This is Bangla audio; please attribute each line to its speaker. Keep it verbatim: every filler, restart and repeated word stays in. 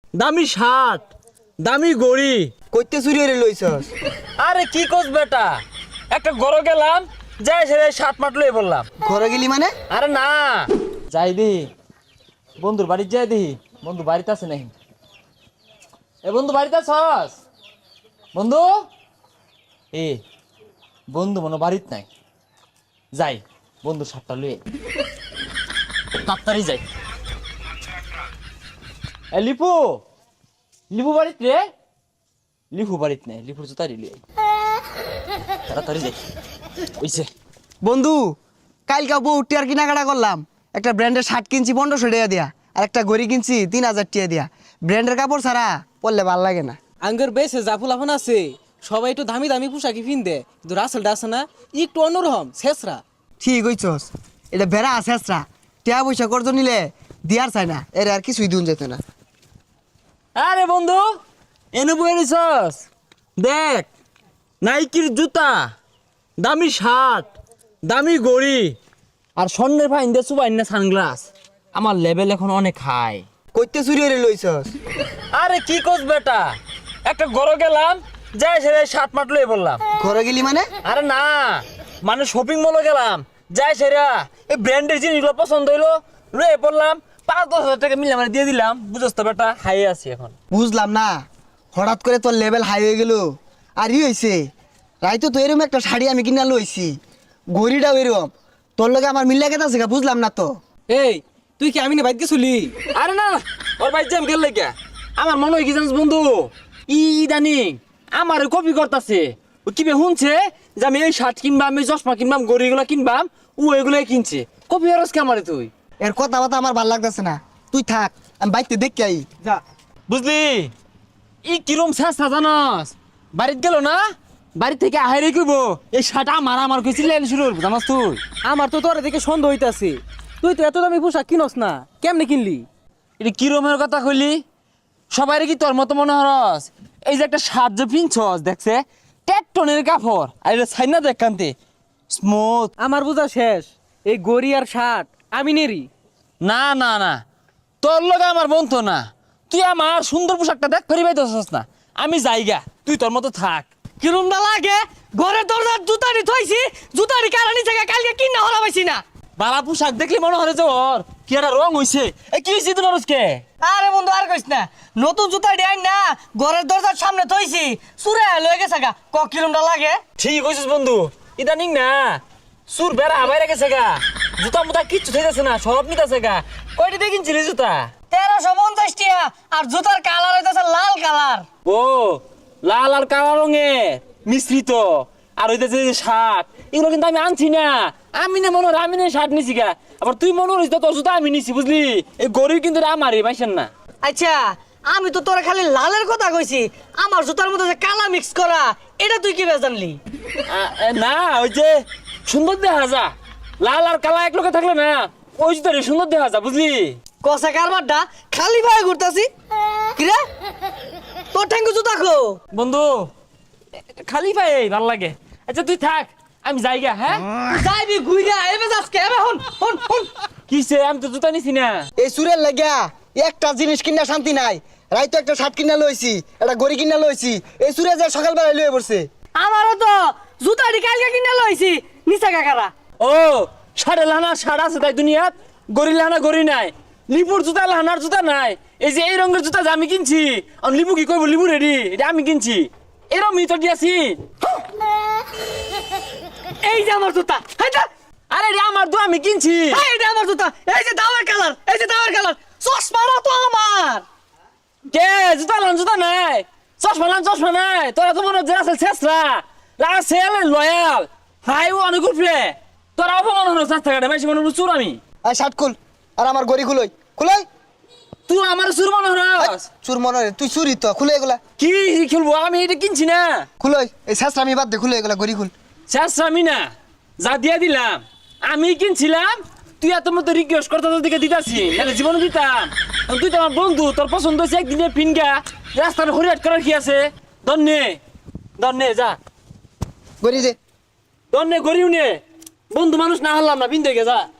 Speaker 1: দামি শার্ট, দামি গড়ি।
Speaker 2: কইতে চুরি হয়ে লইছস?
Speaker 1: আরে কি কোস বেটা, একটা গরো গেলাম, যাই সেরে শার্ট মাট লয়ে বললাম।
Speaker 2: ঘরে গেলি মানে?
Speaker 1: আরে না, যাই দি বন্ধুর বাড়ি যাই দি, বন্ধু বাড়িতে আছে নাকি? এ বন্ধু বাড়িতে আছস? বন্ধু এ বন্ধু মনে বাড়িত নাই, যাই বন্ধু শার্টটা লয়ে তাড়াতাড়ি যাই। এ লিপু, লিপু বাড়িত রে? লিপু বাড়িত নাই, লিপুর জুতা দিলি, তাড়াতাড়ি যাই। ওইছে
Speaker 2: বন্ধু, কালকে বউ টিয়ার কেনাকাটা করলাম, একটা ব্র্যান্ডের শার্ট কিনছি পনেরোশো টাকা দিয়া, আর একটা ঘড়ি কিনছি তিন হাজার টাকা দিয়া। ব্র্যান্ডের কাপড় ছাড়া পরলে ভাল লাগে না।
Speaker 3: আঙ্গের বেশে জাফুল আফান আছে, সবাই একটু দামি দামি পোশাকি পিনদে, কিন্তু রাসেলটা আছে না একটু অন্যরকম শেষরা।
Speaker 2: ঠিক হইছস, এটা বেড়া আছে আসরা, টিয়া পয়সা করজ নিলে দিয়ার চাই না, এর আর কিছুই দিন যেত না।
Speaker 1: আরে বন্ধু এনে বয়ে নিছস, দেখ নাইকির জুতা, দামি শার্ট, দামি গড়ি, আর স্বর্ণের ফাইন দিয়ে সুবাইন না সানগ্লাস। আমার লেভেল এখন অনেক হাই।
Speaker 2: কইতে চুরি হয়ে লইছস?
Speaker 1: আরে কি কোস বেটা, একটা গরো গেলাম, যাই সেরে শার্ট মাট লয়ে বললাম।
Speaker 2: ঘরে গেলি মানে?
Speaker 1: আরে না, মানে শপিং মলে গেলাম, যাই সেরা এই ব্র্যান্ডের জিনিসগুলো পছন্দ হইলো, লয়ে পড়লাম, পাঁচ দশ হাজার টাকা মিলে মানে দিয়ে দিলাম। বুঝছ তো বেটা, হাই আছি এখন।
Speaker 2: বুঝলাম না, হঠাৎ করে তোর লেভেল হাই হয়ে গেল। আর ই হয়েছে, রাইতো তো এরকম একটা শাড়ি আমি কিনা লইছি, ঘড়িটাও এরকম, তোর লগে আমার মিল্লা কেতা আছে বুঝলাম না তো।
Speaker 3: এই তুই কি আমি না বাইক গেছিলি?
Speaker 1: আরে না, ওর ভাই জ্যাম গেল লেগে আমার মনে হয় কি জানিস বন্ধু, ই ইদানিং আমার কপি করতেছে। ও কিবে শুনছে যে আমি এই শার্ট কিনবাম, এই চশমা কিনবাম, গড়িগুলো কিনবাম, ও এগুলাই কিনছে। কপি হরস কে আমারে তুই?
Speaker 2: এর কথা বাতা আমার ভাল লাগতেছে না, তুই থাক, আমি বাইকতে দেখতে আই।
Speaker 3: যা।
Speaker 1: বুঝলি ই কিরম চেষ্টা জানাস, বাড়িতে গেল না, বাড়ি থেকে আহারে কইব এই শার্ট আমার আমার কইছিলেন শুরু জানাস তুই?
Speaker 3: আমার তো তোর দেখে সন্দেহ হইতাছে, তুই তো এত দামি পোশাক কিনস না, কেমনে কিনলি?
Speaker 1: এটা কিরমের কথা কইলি? সবাই কি তোর মতো মনে হরস? এই যে একটা শার্ট যে পিনছস দেখছে টেকটনের কাপড়, আর এটা ছাইনা দেখ কান্তে স্মুথ।
Speaker 3: আমার বোঝা শেষ, এই গড়ি আর শার্ট আমি নেরি।
Speaker 1: না না না, তোর লগে আমার বন্ধু না, তুই আমার সুন্দর পোশাকটা দেখ ফেরি পাইতেছস না। আমি যাইগা, তুই তোর মতো থাক।
Speaker 3: কিরম না লাগে, ঘরের দরজার জুতারি থইছি, জুতারি কারণে জায়গা কালকে কিনা হলা পাইছি না।
Speaker 1: বালা পোশাক দেখলি মনে হয় যে ওর কি একটা রং হইছে। এই কি হইছে তোর আজকে?
Speaker 4: আরে বন্ধু আর কইস না, নতুন জুতা ডিয়াই না ঘরের দরজার সামনে থইছি, চুরে লয়ে গেছে গা। ক কিলোমিটার লাগে?
Speaker 1: ঠিক কইছিস বন্ধু, ইদানিং না সুর বেড়া বাইরে গেছে গা, জুতা মুতা কিচ্ছু থাকতেছে না, সব নিতেছে গা। কয়টা দিয়ে কিনছিলি জুতা?
Speaker 4: তেরোশো পঞ্চাশ টিয়া, আর জুতার কালার হইতেছে লাল কালার।
Speaker 1: ও লাল আর কালো রঙে মিশ্রিত, আর হইতেছে যে শার্ট, এগুলো কিন্তু আমি আনছি না। আমি না মনে হয় আমি না শার্ট নিছি গা, আবার তুই মনে হইস তোর জুতা আমি নিছি, বুঝলি? এই গরিব কিন্তু আমারই পাইছেন না।
Speaker 4: আচ্ছা আমি তো তোরা খালি লালের কথা কইছি, আমার জুতার মধ্যে যে কালা মিক্স করা, এটা তুই কি বেশ জানলি?
Speaker 1: আ- এ, না ওই যে সুন্দর দেখা যা, লাল আর কালা এক লোকে থাকলে না ওই জুতারই সুন্দর দেখা যা, বুঝলি?
Speaker 4: কষা কারবারটা খালি ভাবে ঘুরতাছি। কিরে তোর ঠ্যাঙ্গু জুতা খো?
Speaker 1: বন্ধু খালি পাই ভাল লাগে। আচ্ছা তুই থাক, আমি যাইগা। হ্যাঁ
Speaker 4: যাইবি ঘুইরা এবে আজকে এবে হন হন হন।
Speaker 1: কিসে, আমি তো জুতা নিছি না।
Speaker 2: এই সুরের লাগিয়া একটা জিনিস কিনা শান্তি নাই, রাইতো একটা শার্ট কিনা লইছি, একটা ঘড়ি কিনা লইছি, এই সুরে যে সকালবেলা লয়ে পড়ছে।
Speaker 4: আমারও তো জুতাটি কালকে কিনে লইছি, নিচা কাকারা।
Speaker 1: ও সাড়ে লানা সাড়া আছে তাই দুনিয়াত, গরি লানা গরি নাই, লিপুর জুতা লানার জুতা নাই। এই যে এই রঙের জুতা যে আমি কিনছি, আর লিপু কি কইব লিপু রেডি, এটা আমি কিনছি, এরম মিতর দিয়েছি।
Speaker 4: এই যে আমার জুতা, এই যে
Speaker 1: আরে রে আমার তো আমি কিনছি।
Speaker 4: এই যে আমার জুতা, এই যে দাওয়ার কালার, এই যে দাওয়ার কালার, চশমাটা তো আমার।
Speaker 1: কে জুতা লান জুতা নাই, চশমা লান চশমা নাই, তোরা তো মনে হচ্ছে রাসেল শেষরা, রাসেল লয়াল হাই ও অনেক উঠবে, তোরা অপমান হলো চেষ্টা কাটে মাইসি মনে চুর আমি।
Speaker 2: আর শার্ট খুল, আর আমার ঘড়ি খুলই খুলই।
Speaker 1: তুই আমার চুর মনে হস?
Speaker 2: চুর মনে হয়, তুই চুরি তো, খুলে এগুলা
Speaker 1: কি খেলবো, আমি এটা কিনছি না।
Speaker 2: খুলই, এই শেষরা আমি বাদ দে, খুলে এগুলা ঘড়ি খুল।
Speaker 1: শেষ আমি না, যা দিয়া দিলাম আমি কিনছিলাম, তুই এত মতো রিকোয়েস্ট করতে তোর দিকে দিতাছি, নাহলে জীবনে দিতাম। তুই তো আমার বন্ধু, তোর পছন্দ হয়েছে একদিনে ফিনগা, রাস্তার হরিয়াট করার কি আছে? দন্নে দন্নে যা,
Speaker 2: ঘড়ি দে।
Speaker 1: দন্নে গরিও নে, বন্ধু মানুষ না হারলাম না, বিন্দু যা।